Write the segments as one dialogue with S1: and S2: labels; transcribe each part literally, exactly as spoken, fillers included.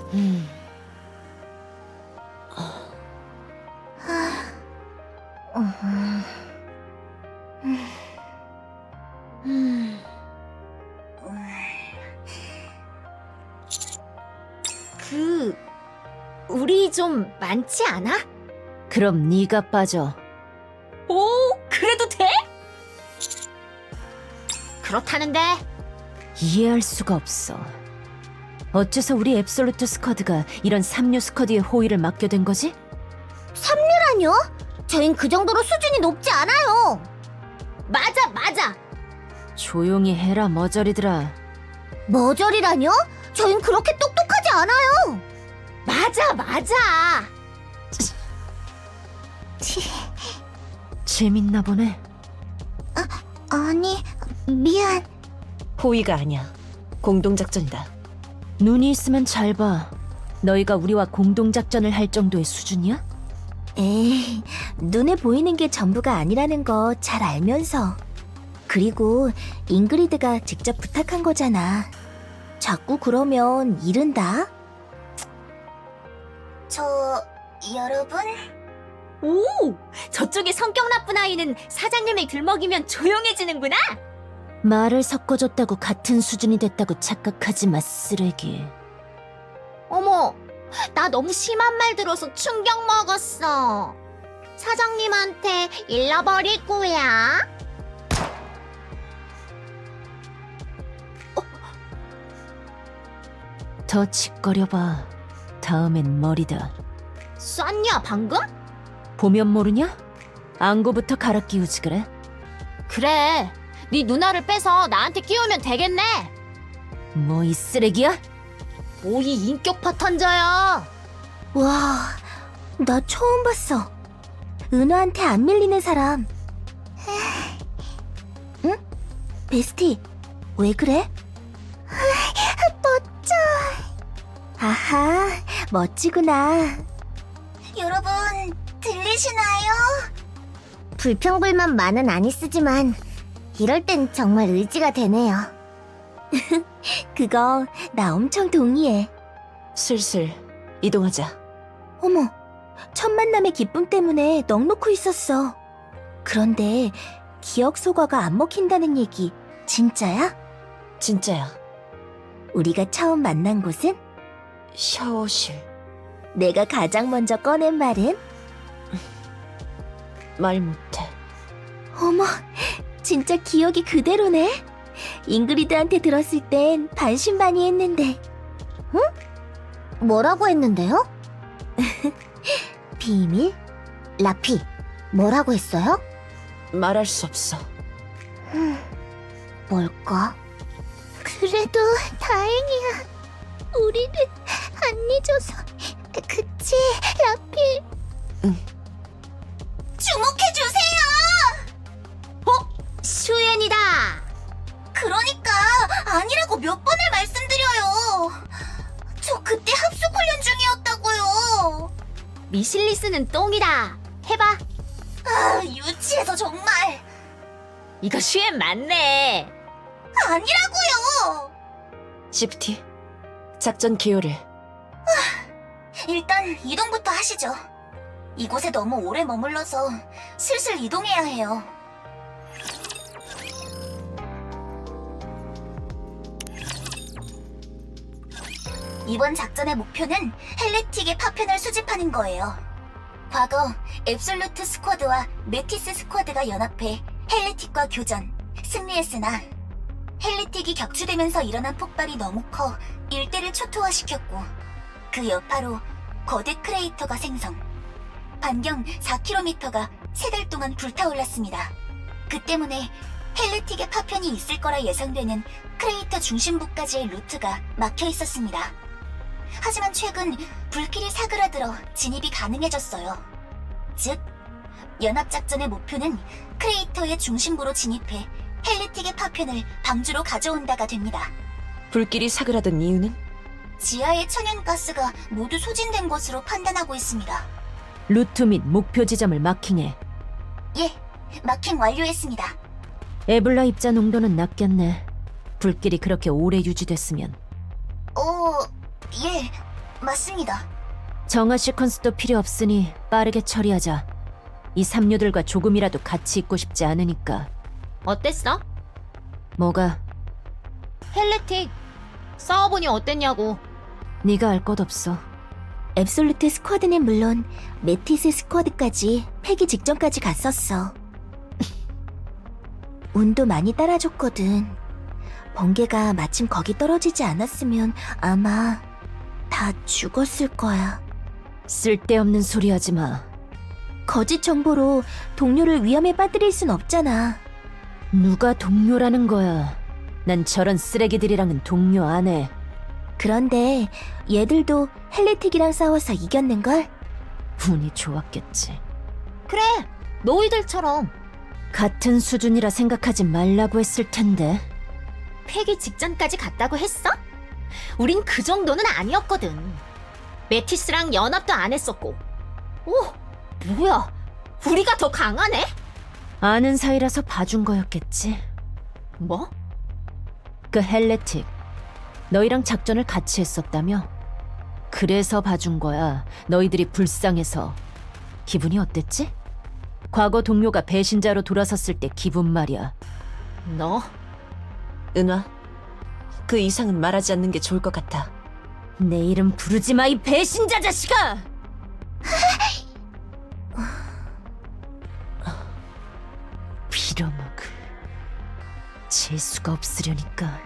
S1: 음.
S2: 그... 우리 좀 많지 않아?
S1: 그럼 네가 빠져.
S2: 오, 그래도 돼? 그렇다는데.
S1: 이해할 수가 없어. 어째서 우리 앱솔루트 스쿼드가 이런 삼류 스쿼드의 호의를 맡게 된 거지?
S2: 삼류라뇨? 저흰 그 정도로 수준이 높지 않아요. 맞아, 맞아.
S1: 조용히 해라, 머저리들아.
S2: 머저리라뇨? 저흰 그렇게 똑똑하지 않아요. 맞아, 맞아.
S1: 재밌나 보네.
S2: 아니, 미안.
S3: 호의가 아니야. 공동작전이다.
S1: 눈이 있으면 잘 봐. 너희가 우리와 공동작전을 할 정도의 수준이야?
S2: 에이, 눈에 보이는 게 전부가 아니라는 거 잘 알면서. 그리고 잉그리드가 직접 부탁한 거잖아. 자꾸 그러면 이른다. 저... 여러분? 오! 저쪽에 성격 나쁜 아이는 사장님을 들먹이면 조용해지는구나?
S1: 말을 섞어줬다고 같은 수준이 됐다고 착각하지 마, 쓰레기.
S2: 어머, 나 너무 심한 말 들어서 충격 먹었어. 사장님한테 일러버릴 거야.
S1: 더 짓거려봐. 다음엔 머리다.
S2: 쐈냐, 방금?
S1: 보면 모르냐? 안고부터 갈아 끼우지 그래?
S2: 그래, 네 누나를 빼서 나한테 끼우면 되겠네.
S1: 뭐 이 쓰레기야?
S2: 뭐 이 인격 파탄자야. 와, 나 처음 봤어. 은하한테 안 밀리는 사람. 응? 베스티, 왜 그래? 멋져. 아하, 멋지구나. 여러분, 들리시나요? 불평불만 많은 아니스지만 이럴 땐 정말 의지가 되네요. 그거 나 엄청 동의해.
S3: 슬슬 이동하자.
S2: 어머, 첫 만남의 기쁨 때문에 넋놓고 있었어. 그런데 기억 소과가 안 먹힌다는 얘기 진짜야?
S3: 진짜야.
S2: 우리가 처음 만난 곳은?
S3: 샤워실.
S2: 내가 가장 먼저 꺼낸 말은?
S3: 말 못해.
S2: 어머, 진짜 기억이 그대로네. 잉그리드한테 들었을 땐 반신반의했는데. 응? 뭐라고 했는데요? 비밀? 라피, 뭐라고 했어요?
S3: 말할 수 없어.
S2: 뭘까? 그래도 다행이야. 우리를 안 잊어서. 그치, 라피?
S3: 응.
S2: 주목해주세요! 어? 슈엔이다! 그러니까 아니라고 몇 번을 말씀드려요. 저 그때 합숙 훈련 중이었다고요. 미실리스는 똥이다. 해봐. 아, 유치해서 정말. 이거 슈엔 맞네. 아니라고요.
S3: 시프티. 작전 기호를.
S2: 일단 이동부터 하시죠. 이곳에 너무 오래 머물러서 슬슬 이동해야 해요. 이번 작전의 목표는 헬레틱의 파편을 수집하는 거예요. 과거 앱솔루트 스쿼드와 메티스 스쿼드가 연합해 헬레틱과 교전, 승리했으나 헬레틱이 격추되면서 일어난 폭발이 너무 커 일대를 초토화시켰고 그 여파로 거대 크레이터가 생성. 반경 사 킬로미터가 세 달 동안 불타올랐습니다. 그 때문에 헬레틱의 파편이 있을 거라 예상되는 크레이터 중심부까지의 루트가 막혀 있었습니다. 하지만 최근 불길이 사그라들어 진입이 가능해졌어요. 즉, 연합작전의 목표는 크레이터의 중심부로 진입해 헬레틱의 파편을 방주로 가져온다가 됩니다.
S3: 불길이 사그라든 이유는?
S2: 지하의 천연가스가 모두 소진된 것으로 판단하고 있습니다.
S1: 루트 및 목표 지점을 마킹해.
S2: 예, 마킹 완료했습니다.
S1: 에블라 입자 농도는 낮겠네. 불길이 그렇게 오래 유지됐으면.
S2: 어, 예. 맞습니다.
S1: 정화 시퀀스도 필요 없으니 빠르게 처리하자. 이 삼류들과 조금이라도 같이 있고 싶지 않으니까.
S4: 어땠어?
S1: 뭐가?
S4: 헬레틱 싸워보니 어땠냐고.
S1: 네가 알 것 없어.
S2: 앱솔루트 스쿼드는 물론 메티스 스쿼드까지 패기 직전까지 갔었어. 운도 많이 따라줬거든. 번개가 마침 거기 떨어지지 않았으면 아마 다 죽었을 거야.
S1: 쓸데없는 소리 하지 마.
S2: 거짓 정보로 동료를 위험에 빠뜨릴 순 없잖아.
S1: 누가 동료라는 거야. 난 저런 쓰레기들이랑은 동료 안 해.
S2: 그런데 얘들도 헬레틱이랑 싸워서 이겼는걸?
S1: 운이 좋았겠지.
S4: 그래, 너희들처럼.
S1: 같은 수준이라 생각하지 말라고 했을 텐데.
S4: 폐기 직전까지 갔다고 했어? 우린 그 정도는 아니었거든. 메티스랑 연합도 안 했었고. 오, 뭐야, 우리가 더 강하네?
S1: 아는 사이라서 봐준 거였겠지.
S4: 뭐?
S1: 그 헬레틱, 너희랑 작전을 같이 했었다며? 그래서 봐준 거야. 너희들이 불쌍해서. 기분이 어땠지? 과거 동료가 배신자로 돌아섰을 때 기분 말이야.
S4: 너?
S3: 은화, 그 이상은 말하지 않는 게 좋을 것 같아.
S1: 내 이름 부르지 마, 이 배신자 자식아! 빌어먹을. 재수가 없으려니까.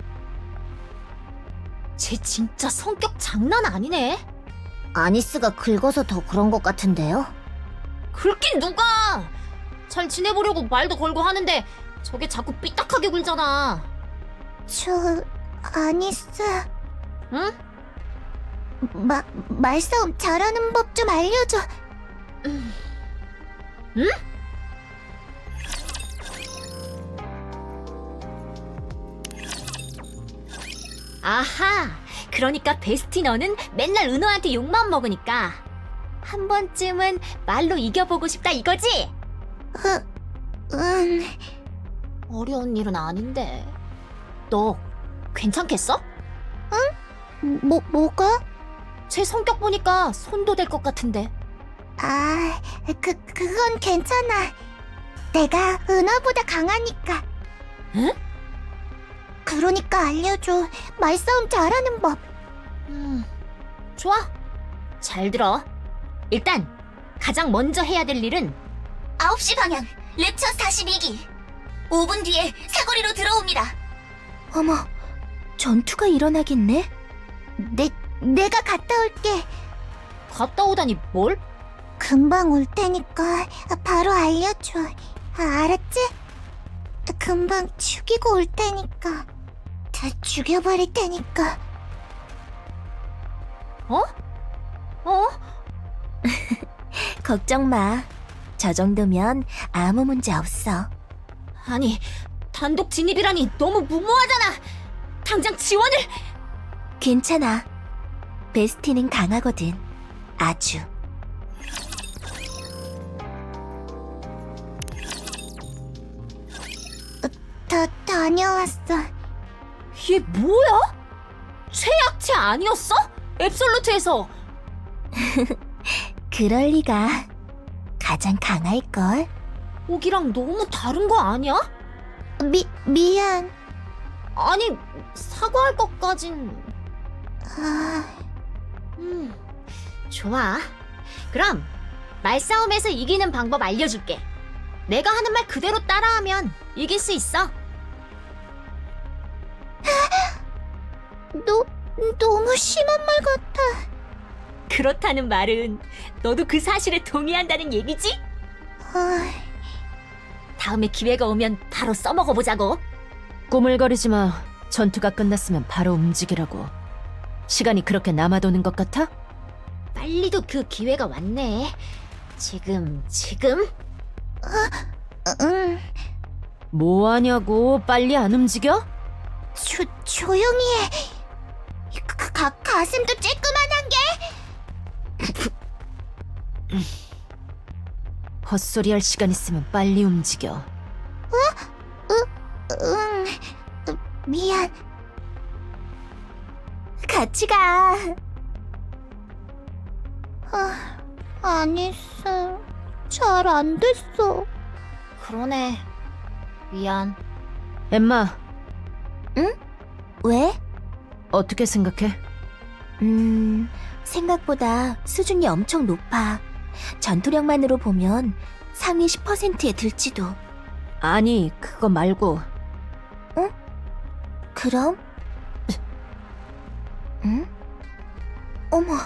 S4: 쟤 진짜 성격 장난 아니네.
S2: 아니스가 긁어서 더 그런 것 같은데요?
S4: 긁긴 누가! 잘 지내보려고 말도 걸고 하는데 저게 자꾸 삐딱하게 굴잖아.
S2: 저... 아니스...
S4: 응?
S2: 마, 말싸움 잘하는 법 좀 알려줘.
S4: 응? 아하, 그러니까 베스티 너는 맨날 은호한테 욕만 먹으니까 한 번쯤은 말로 이겨보고 싶다 이거지?
S2: 응...
S4: 어려운 일은 아닌데. 너 괜찮겠어?
S2: 뭐, 뭐가?
S4: 쟤 성격 보니까 손도 될 것 같은데.
S2: 아, 그, 그건 괜찮아. 내가 은하보다 강하니까.
S4: 응?
S2: 그러니까 알려줘. 말싸움 잘하는 법.
S4: 음, 좋아. 잘 들어. 일단 가장 먼저 해야 될 일은
S2: 아홉 시 방향, 랩처 사십이 기. 오 분 뒤에 사거리로 들어옵니다. 어머, 전투가 일어나겠네? 내, 내가 갔다 올게.
S4: 갔다 오다니 뭘?
S2: 금방 올 테니까 바로 알려줘. 아, 알았지? 금방 죽이고 올 테니까. 다 죽여버릴 테니까.
S4: 어? 어?
S2: 걱정 마. 저 정도면 아무 문제 없어.
S4: 아니, 단독 진입이라니 너무 무모하잖아. 당장 지원을.
S2: 괜찮아. 베스티는 강하거든. 아주. 다 다녀왔어.
S4: 얘 뭐야? 최약체 아니었어? 앱솔루트에서.
S2: 그럴 리가. 가장 강할걸.
S4: 오기랑 너무 다른 거 아니야?
S2: 미 미안.
S4: 아니, 사과할 것까진.
S2: 아,
S4: 음, 좋아. 그럼 말싸움에서 이기는 방법 알려줄게. 내가 하는 말 그대로 따라하면 이길 수 있어.
S2: 너 너무 심한 말 같아.
S4: 그렇다는 말은 너도 그 사실에 동의한다는 얘기지?
S2: 아,
S4: 다음에 기회가 오면 바로 써먹어보자고.
S1: 꾸물거리지 마. 전투가 끝났으면 바로 움직이라고. 시간이 그렇게 남아도는 것 같아?
S4: 빨리도 그 기회가 왔네. 지금, 지금?
S2: 응.
S1: 뭐 하냐고. 빨리 안 움직여?
S2: 조 조용히 해. 가, 가 가슴도 쬐끄만한 게.
S1: 헛소리할 시간 있으면 빨리 움직여.
S2: 응. 미안. 같이 가. 아, 아니스. 잘 안 됐어.
S4: 그러네. 미안.
S1: 엠마,
S2: 왜?
S1: 어떻게 생각해?
S2: 음, 생각보다 수준이 엄청 높아. 전투력만으로 보면 상위 십 퍼센트에 들지도.
S1: 아니, 그거 말고
S2: 그럼? 응? 어머,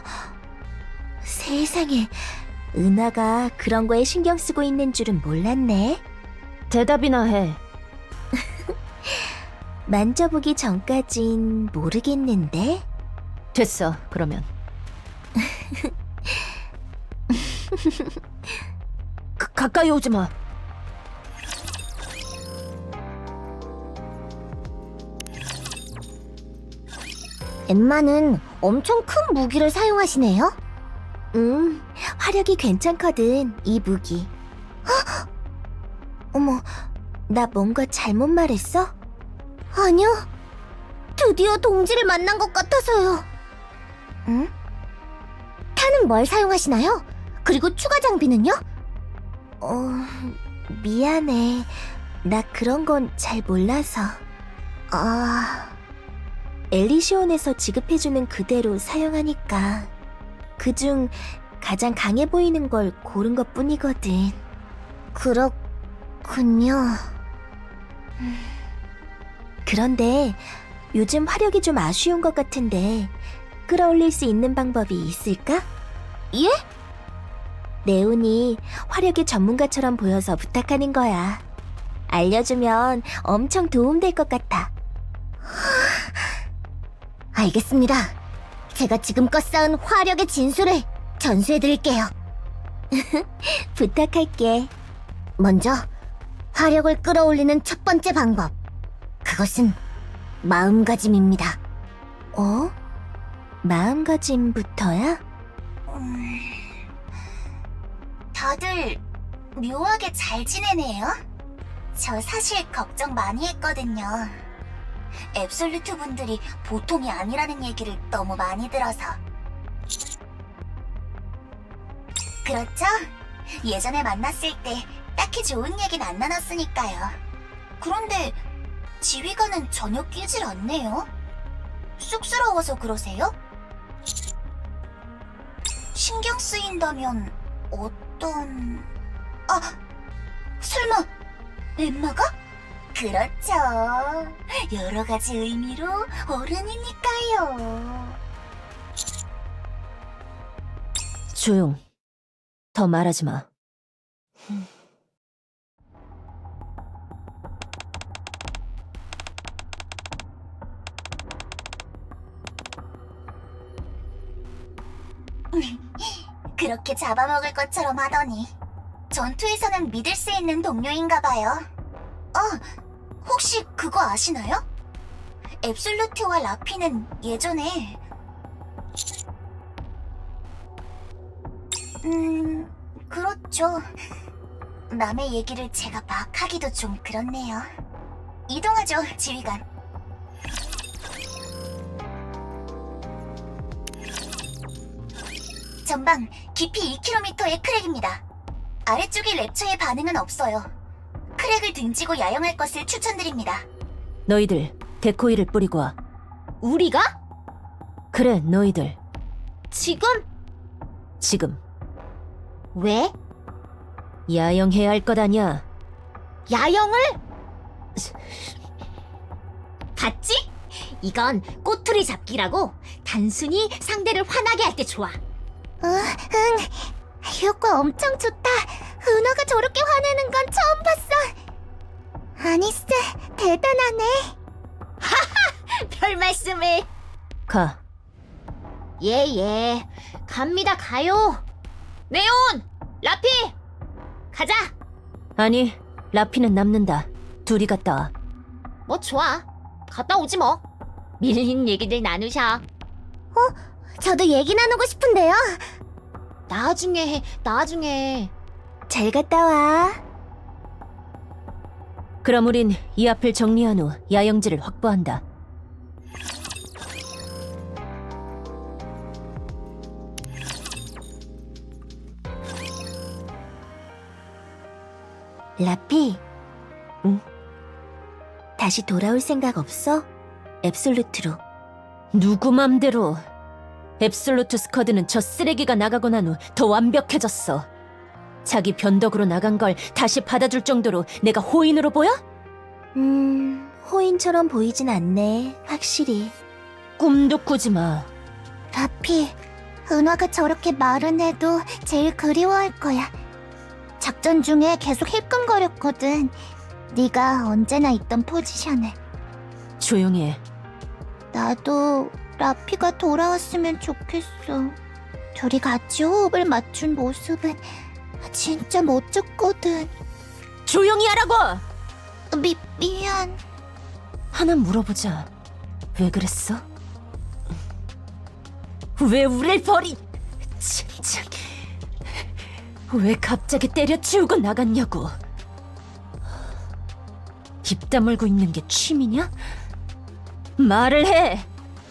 S2: 세상에. 은하가 그런 거에 신경 쓰고 있는 줄은 몰랐네.
S1: 대답이나 해.
S2: 만져보기 전까진 모르겠는데?
S1: 됐어, 그러면. 가, 가까이 오지 마.
S2: 엠마는 엄청 큰 무기를 사용하시네요? 음, 화력이 괜찮거든, 이 무기. 헉! 어머, 나 뭔가 잘못 말했어? 아니요. 드디어 동지를 만난 것 같아서요. 응? 타는 뭘 사용하시나요? 그리고 추가 장비는요? 어, 미안해. 나 그런 건 잘 몰라서. 아... 엘리시온에서 지급해주는 그대로 사용하니까 그중 가장 강해 보이는 걸 고른 것 뿐이거든. 그렇군요. 그런데 요즘 화력이 좀 아쉬운 것 같은데 끌어올릴 수 있는 방법이 있을까? 예? 네온이 화력의 전문가처럼 보여서 부탁하는 거야. 알려주면 엄청 도움될 것 같아. 알겠습니다. 제가 지금껏 쌓은 화력의 진수를 전수해드릴게요. 부탁할게. 먼저 화력을 끌어올리는 첫 번째 방법. 그것은 마음가짐입니다. 어? 마음가짐부터야? 음... 다들 묘하게 잘 지내네요. 저 사실 걱정 많이 했거든요. 앱솔루트 분들이 보통이 아니라는 얘기를 너무 많이 들어서. 그렇죠? 예전에 만났을 때 딱히 좋은 얘기는 안 나눴으니까요. 그런데 지휘관은 전혀 끼질 않네요. 쑥스러워서 그러세요? 신경 쓰인다면 어떤... 아! 설마 엠마가? 그렇죠. 여러 가지 의미로 어른이니까요.
S1: 조용. 더 말하지 마.
S2: 그렇게 잡아먹을 것처럼 하더니 전투에서는 믿을 수 있는 동료인가 봐요. 어, 혹시 그거 아시나요? 앱솔루트와 라피는 예전에 음... 그렇죠. 남의 얘기를 제가 막 하기도 좀 그렇네요. 이동하죠, 지휘관. 전방 깊이 이 킬로미터의 크랙입니다. 아래쪽의 랩처의 반응은 없어요. 크랙을 등지고 야영할 것을 추천드립니다.
S1: 너희들 데코이를 뿌리고 와.
S4: 우리가?
S1: 그래, 너희들.
S4: 지금?
S1: 지금
S4: 왜?
S1: 야영해야 할 것 아냐.
S4: 야영을? 봤지? 이건 꼬투리 잡기라고 단순히 상대를 화나게 할 때 좋아.
S2: 응, 응. 효과 엄청 좋다. 은하가 저렇게 화내는 건 처음 봤어. 아니스, 대단하네.
S4: 별 말씀을.
S1: 가.
S4: 예예. 갑니다, 가요. 네온! 라피! 가자!
S1: 아니, 라피는 남는다. 둘이 갔다 와.
S4: 뭐 좋아. 갔다 오지 뭐. 밀린 얘기들 나누셔.
S2: 저도 얘기 나누고 싶은데요.
S4: 나중에 해, 나중에.
S2: 잘 갔다 와.
S1: 그럼 우린 이 앞을 정리한 후 야영지를 확보한다.
S2: 라피.
S3: 응?
S2: 다시 돌아올 생각 없어? 앱솔루트로.
S1: 누구 맘대로. 앱솔루트 스쿼드는 저 쓰레기가 나가고 난 후 더 완벽해졌어. 자기 변덕으로 나간 걸 다시 받아줄 정도로 내가 호인으로 보여?
S2: 음, 호인처럼 보이진 않네, 확실히.
S1: 꿈도 꾸지 마.
S2: 라피, 은화가 저렇게 말은 해도 제일 그리워할 거야. 작전 중에 계속 힐끔거렸거든. 네가 언제나 있던 포지션에.
S1: 조용히 해.
S2: 나도 라피가 돌아왔으면 좋겠어. 둘이 같이 호흡을 맞춘 모습은 진짜 멋졌거든.
S1: 조용히 하라고!
S2: 미, 미안.
S1: 하나 물어보자. 왜 그랬어? 왜 우릴 버리... 진짜... 왜 갑자기 때려치우고 나갔냐고. 입 다물고 있는 게 취미냐? 말을 해!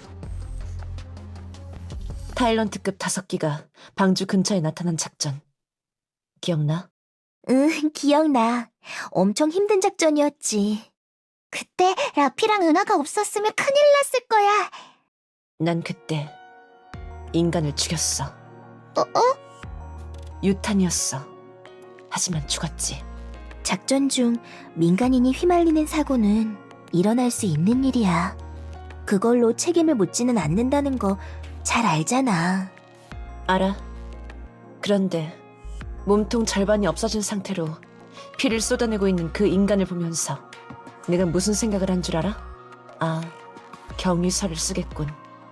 S3: 타일런트급 다섯 기가 방주 근처에 나타난 작전. 기억나?
S2: 응, 기억나. 엄청 힘든 작전이었지. 그때 라피랑 은하가 없었으면 큰일 났을 거야.
S3: 난 그때 인간을 죽였어.
S2: 어? 어?
S3: 유탄이었어. 하지만 죽었지.
S2: 작전 중 민간인이 휘말리는 사고는 일어날 수 있는 일이야. 그걸로 책임을 묻지는 않는다는 거 잘 알잖아.
S3: 알아. 그런데 몸통 절반이 없어진 상태로 피를 쏟아내고 있는 그 인간을 보면서 내가 무슨 생각을 한 줄 알아? 아, 경위서를 쓰겠군.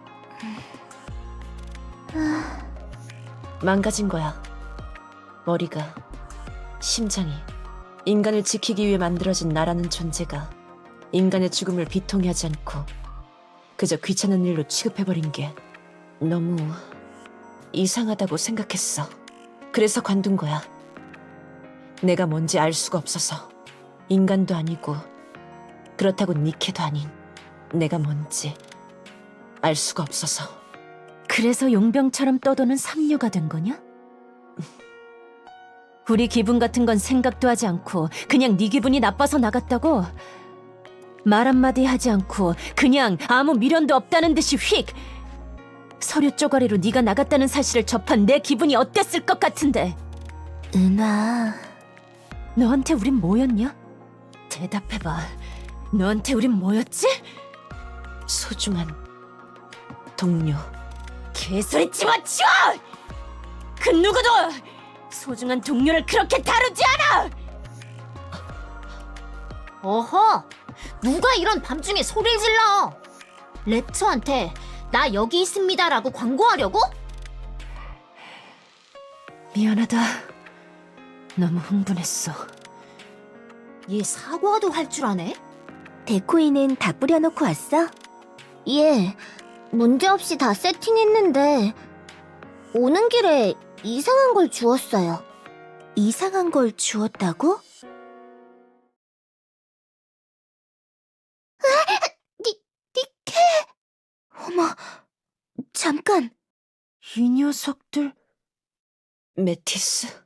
S3: 망가진 거야. 머리가, 심장이. 인간을 지키기 위해 만들어진 나라는 존재가 인간의 죽음을 비통해 하지 않고 그저 귀찮은 일로 취급해버린 게 너무 이상하다고 생각했어. 그래서 관둔 거야. 내가 뭔지 알 수가 없어서. 인간도 아니고 그렇다고 니케도 아닌 내가 뭔지 알 수가 없어서.
S1: 그래서 용병처럼 떠도는 삼류가 된 거냐? 우리 기분 같은 건 생각도 하지 않고 그냥 네 기분이 나빠서 나갔다고? 말 한마디 하지 않고 그냥 아무 미련도 없다는 듯이 휙! 서류 쪼가리로 네가 나갔다는 사실을 접한 내 기분이 어땠을 것 같은데.
S2: 은하.
S1: 너한테 우린 뭐였냐? 대답해봐. 너한테 우린 뭐였지?
S3: 소중한 동료.
S1: 개소리 집어치워! 그 누구도 소중한 동료를 그렇게 다루지 않아!
S4: 어허! 누가 이런 밤중에 소리를 질러? 랩처한테 나 여기 있습니다라고 광고하려고?
S1: 미안하다. 너무 흥분했어.
S4: 얘 사과도 할 줄 아네?
S2: 데코이는 다 뿌려놓고 왔어? 예, 문제없이 다 세팅했는데 오는 길에 이상한 걸 주웠어요. 이상한 걸 주웠다고? 니, 니케! 어머, 잠깐.
S1: 이 녀석들...
S3: 메티스?